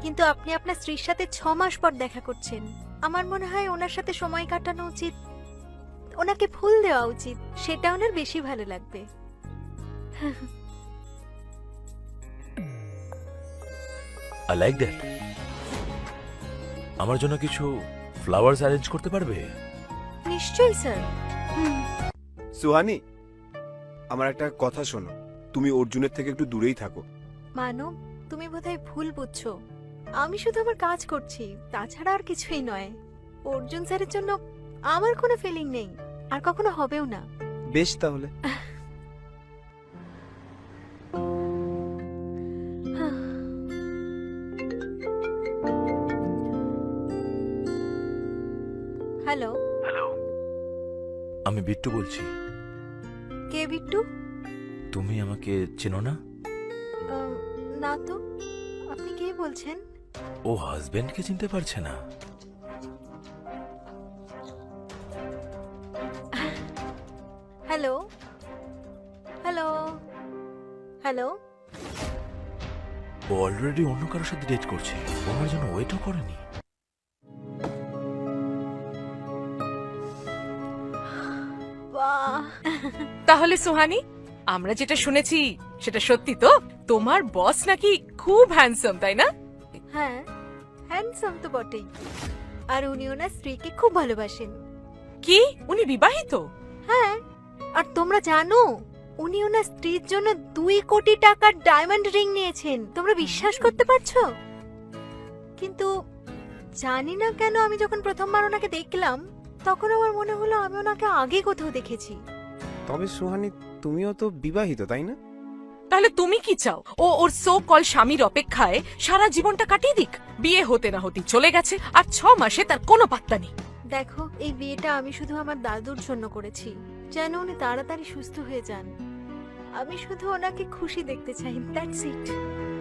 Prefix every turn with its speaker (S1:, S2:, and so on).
S1: কিন্তু আপনি আপনার স্ত্রীর সাথে 6 মাস পর দেখা করছেন। আমার মনে হয় ওনার সাথে সময় কাটানো উচিত, ওনাকে ফুল দেওয়া উচিত, সেটা ওনার বেশি ভালো লাগবে।
S2: I like that. আমার জন্য কিছু ফ্লাওয়ার্স অ্যারেঞ্জ করতে পারবে?
S1: নিশ্চয়ই স্যার।
S3: সুহানি, আমার একটা কথা শোনো, তুমি অর্জুনের থেকে একটু দূরেই থাকো।
S1: মানব, তুমি বোধহয় ভুল বুঝছো। আমি শুধু আমার কাজ করছি, তাছাড়া আর কিছুই নয়। অর্জুন স্যারের জন্য আমার কোনো ফিলিং নেই, আর কখনো হবেও না।
S3: বেশ তাহলে।
S1: হ্যালো।
S2: হ্যালো, আমি বিট্টু বলছি।
S1: কে বিট্টু?
S2: তুমি আমাকে চেনো না?
S1: না তো, আপনি কে বলছেন?
S2: ও হাজবেন্ডকে চিনতে পারছে না?
S1: Hello hello hello.
S2: ও অলরেডি অন্য কারোর সাথে ডেট করছে, ও আমার জন্য ওয়েটও করেনি।
S1: বাহ,
S4: তাহলে সুহানি, আমরা যেটা শুনেছি সেটা সত্যি তো? তোমার বস নাকি খুব হ্যান্ডসাম, তাই না?
S1: হ্যাঁ, হ্যান্ডসাম তো বটেই। আর উনি ওনার স্ত্রীকে খুব ভালোবাসেন।
S4: কি উনি বিবাহিত?
S1: হ্যাঁ, আর তোমরা জানো উনি ওনার স্ত্রীর জন্য 2 কোটি টাকার ডায়মন্ড রিং নিয়েছেন। তোমরা বিশ্বাস করতে পারছো? কিন্তু জানি না কেন আমি যখন প্রথমবার ওনাকে দেখলাম, তখন আমার মনে হলো আমি ওনাকে আগে কোথাও দেখেছি।
S3: তবে সুহানি, তুমিও তো বিবাহিত, তাই না?
S4: তাহলে তুমি কি চাও ও ওর সো কল স্বামীর অপেক্ষায় সারা জীবনটা কাটিয়ে দিক? বিয়ে হতে না হতেই চলে গেছে, আর 6 মাসে তার কোনো পাত্তা নেই।
S1: দেখো, এই বিয়েটা আমি শুধু আমার দাদুর জন্য করেছি, যেন উনি তাড়াতাড়ি সুস্থ হয়ে যান। আমি শুধু ওনাকে খুশি দেখতে চাই, দ্যাটস ইট।